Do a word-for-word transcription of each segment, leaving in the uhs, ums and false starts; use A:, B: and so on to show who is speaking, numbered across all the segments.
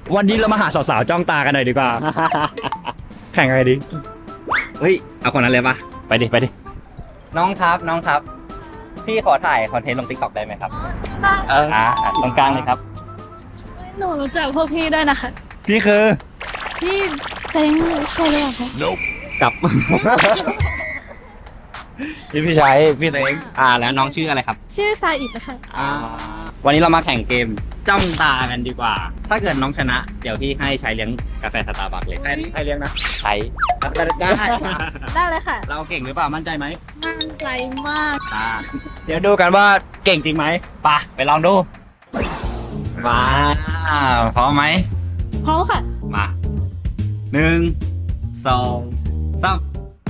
A: วันนี้เรามาหาสาวๆจ้องตากันหน่อยดีกว่า แข่งอะไรดี
B: เฮ้ยเอาคนนั้นเลยปะ
A: ไปดิไปดิ
B: น้องครับน้องครับ พี่ขอถ่ายคอนเทนต์ลงติ๊กต็อกได้ไหมครับเอออ่าตรงกลางเลยครับ
C: หนูรู้จักพวกพี่ด้วยนะคะ
A: พี่คือ
C: พี่เซ็งใช่หรือเปล่าคะ
B: กลับ
A: พี่พี่ชายพี่เซ็ง
B: อ่าแล้วน้องชื่ออะไรครับ
C: ชื่อซาอิดนะคะ
B: อ่าวันนี้เรามาแข่งเกมจ้องตากันดีกว่า ถ้าเกิดน้องชนะ เดี๋ยวพี่ให้ใช้เลี้ยงกาแฟสตาร์บัคเลย
A: ใครใครเลี้ยงนะ
B: ใช้ได้
C: ได้เลยค่ะ
B: เราเก่งหรือเปล่ามั่นใจไหม
C: มั่นใจมาก
B: อ่า
A: เดี๋ยวดูกันว่าเก่งจริงไหม
B: ไปไปลองดูมาพร้อมไหม
C: พร้อมค่ะ
B: มาหนึ่งสองสาม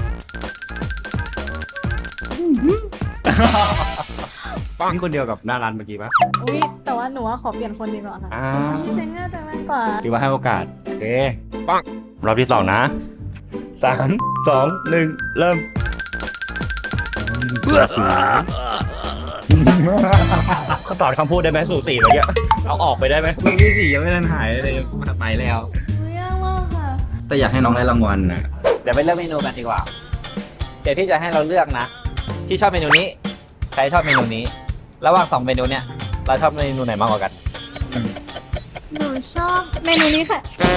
A: นี่คนเดียวกับหน้าร้านเมื่อกี้ปะ
C: อุ้ยแต่ว่าหนูว่าขอเปลี่ยนคนดีกว่าค่ะ
A: อ่า
C: พี่เซ็งน่าจะมากกว่า
A: ถือว่าให้โอกาส โอเคปังรอบที่สองนะสามสองหนึ่งเริ่มเขาตอบคำพูดได้ไหมสู่สี่เมื่อกี้เอาออกไปได้ไหม
B: เมื่อกี้สี่ยังไม่ทันหายเลยไปแล้ว
C: ไม่ยากมากค่ะ
B: แต่อยากให้น้องได้รางวัลนะเดี๋ยวไปเลือกเมนูกันดีกว่า เดี๋ยวที่จะให้เราเลือกนะที่ชอบเมนูนี้ใครชอบเมนูนี้ ระหว่างสองเมนูเนี้ยเราชอบเมนูไหนมากกว่ากัน
C: หนูชอบเมนูนี้ค่ะ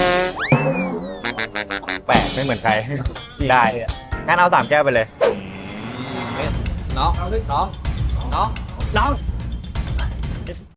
A: แปลกไม่เหมือนใคร ได้งั้นเอาสามแก้วไปเลย
B: น้องน้องน้อง
A: น้อง